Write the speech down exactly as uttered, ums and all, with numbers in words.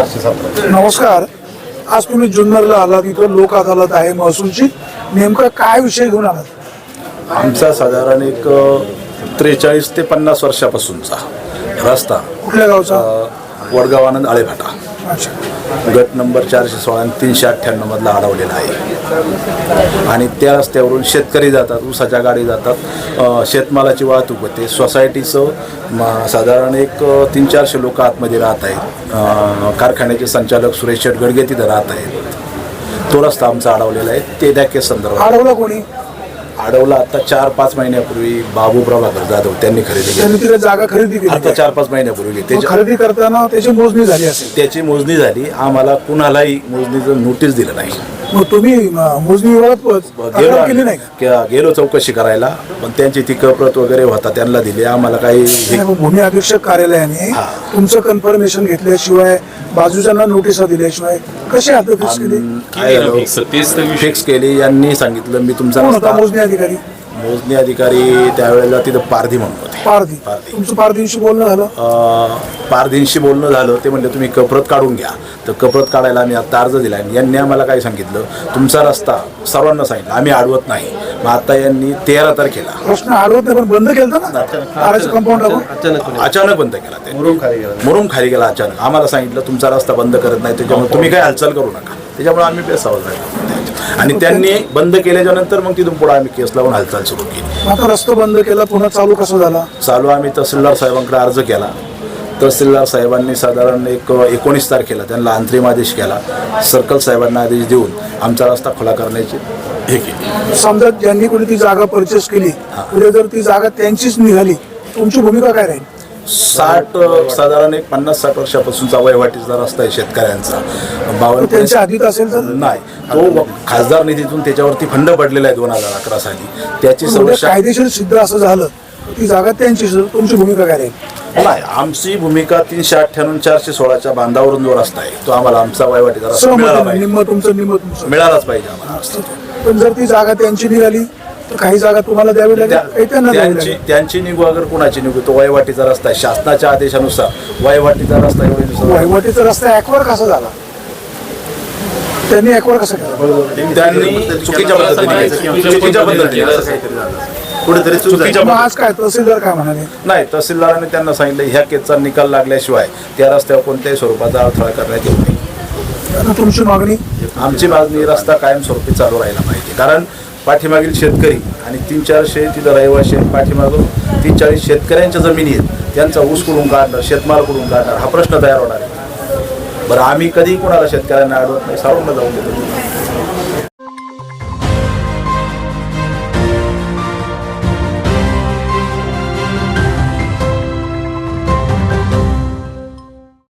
चारशे सतरा. नमस्कार. आज तुम्ही जुन्नरला आलात, इथं लोक अदालत आहे महसूलची. नेमका काय विषय घेऊन आलात? आमचा साधारण एक त्रेचाळीस ते पन्नास वर्षापासूनचा रस्ता कुठल्या गावचा? वडगाव आनंद आळेभाटा अच्छा. गट नंबर चारशे सोळा आणि तीनशे अठ्ठ्याण्णव मधला अडवलेला आहे. आणि त्या रस्त्यावरून शेतकरी जातात, ऊसाच्या गाडी जातात, अ, शेतमालाची वाहतूक होते. सोसायटीचं म- साधारण एक तीन चारशे लोक आतमध्ये राहत आहेत. अ, कारखान्याचे संचालक सुरेश शेट गडगे तिथं राहत आहेत. तो रस्ता आमचा अडवलेला आहे. ते त्या केस संदर्भात अडवला कोणी? अडवला आता चार पाच महिन्यापूर्वी बाबू प्रभाकर जाधव त्यांनी खरेदी त्यांनी केली. तिथे जागा खरेदी केली. आता चार पाच महिन्यापूर्वी मग त्याच्या खरेदी करताना त्याची मोजणी झाली असेल. त्याची मोजणी झाली. आम्हाला कुणालाही मोजणीचं नोटीस दिलं नाही. मग तुम्ही अं, मोजणी विभागात गेलो तक्रार केली नाही आम्ही. का? क्या- गेलो चौकशी करायला, पण त्यांची ती कप्रत वगैरे होता त्यांना दिली. आम्हाला काही हे- नाही, मग भूमी अधीक्षक कार्यालयाने हा. तुमचं कन्फर्मेशन घेतल्याशिवाय, बाजूच्यांना नोटिसा दिल्याशिवाय कशी हात फिक्स केली? काय झालं? फिक्स केली. यांनी सांगितलं मी तुमचा कोण होता रस्ता- मोजणी अधिकारी? मोजणी अधिकारी त्यावेळेला तिथं पारधी म्हणून होते. पारधी. पारधी. तुमचं पारधींशी बोलणं झालं? अं, पारधींशी बोलणं झालं. ते म्हणले तुम्ही कप्रत काढून घ्या. तर कप्रत काढायला आम्ही आता अर्ज दिला. यांनी आम्हाला काय सांगितलं, तुमचा रस्ता सर्वांना सांगितलं आम्ही अडवत नाही. मग आता यांनी तेरा तारखेला प्रश्न अडवत नाही, पण बंद केलं ना ताराचं कंपाऊंड टाकून. अचानक बंद केला. ते मुरुम खाली गेला. मुरुम खाली गेला अचानक. आम्हाला सांगितलं तुमचा रस्ता बंद करत नाही, त्याच्यामुळे तुम्ही काय हालचाल करू नका. त्याच्यामुळे आम्ही बेसावध राहिलो. आणि त्यांनी बंद केल्याच्या नंतर मग तिथून पुढे आम्ही केस लावून हालचाल सुरू केली. आता रस्ता बंद केला, पुन्हा चालू कसा झाला? चालू आम्ही तहसीलदार साहेबांकडे अर्ज केला. तहसीलदार साहेबांनी साधारण एक एकोणीस तारखेला त्यांना अंतरिम आदेश केला. सर्कल साहेबांना आदेश देऊन आमचा रस्ता खुला करण्याची हे केली. समजा ज्यांनी कोणी ती जागा परचेस केली, पुढे जर ती जागा त्यांचीच निघाली, तुमची भूमिका काय राहील? साठ साधारण एक पन्नास साठ वर्षापासूनचा वहिवाटीचा रस्ता आहे शेतकऱ्यांचा. बावन्न त्यांच्या आधीत असेल तर नाही, तो खासदार निधीतून त्याच्यावरती फंड पडलेला आहे दोन हजार अकरा साली. त्याची उद्या समस्या कायदेशीर सिद्ध असं झालं, ती जागा त्यांची, तुमची भूमिका काय राहील? नाही. आमची भूमिका तीनशे अठ्ठ्याण्णव चारशे सोळाच्या बांधावरून जो रस्ता आहे तो आम्हाला आमचा वहिवाटीचा रस्ता मिळाला सहमत, पाहिजे. निम्म तुमचं निम्म तुमचं. मिळालाच पाहिजे आम्हाला. पण जर ती जागा त्यांची निघाली तर काही जागा तुम्हाला द्यावी लागेल, काही त्यांना द्यावी त्यांची लागेल. त्यांची निघू अगर कोणाची निघू, तो वहिवाटीचा रस्ता आहे. शासनाच्या आदेशानुसार वहिवाटीचा रस्ता एवढे वहिवाटीचा रस्ता ॲक्वायर कसा झाला? त्यांनी ॲक्वायर कसा केला? त्यांनी चुकीच्या पद्धतीने केलं. चुकीच्या पद्धतीने कुठेतरी चुकीच्या मग आज काय तहसीलदार काय म्हणाले? नाही, तहसीलदारांनी त्यांना सांगितलं ह्या केसचा निकाल लागल्याशिवाय त्या रस्त्यावर कोणत्याही स्वरूपाचा अडथळा करण्यात येऊ नये. आता तुमची मागणी? आमची मागणी रस्ता कायमस्वरूपी चालू राहिला पाहिजे. कारण पाठीमागील शेतकरी आणि तीन चारशे तिथं रहिवाशी आहेत. पाठीमागून तीन चाळीस शेतकऱ्यांच्या जमिनी आहेत, त्यांचा ऊस कुठून काढणार, शेतमाल कुठून काढणार, हा प्रश्न तयार होणार आहे. बरं, आम्ही कधी कोणाला शेतकऱ्यांना अडवत नाही, सारून जाऊन देतो.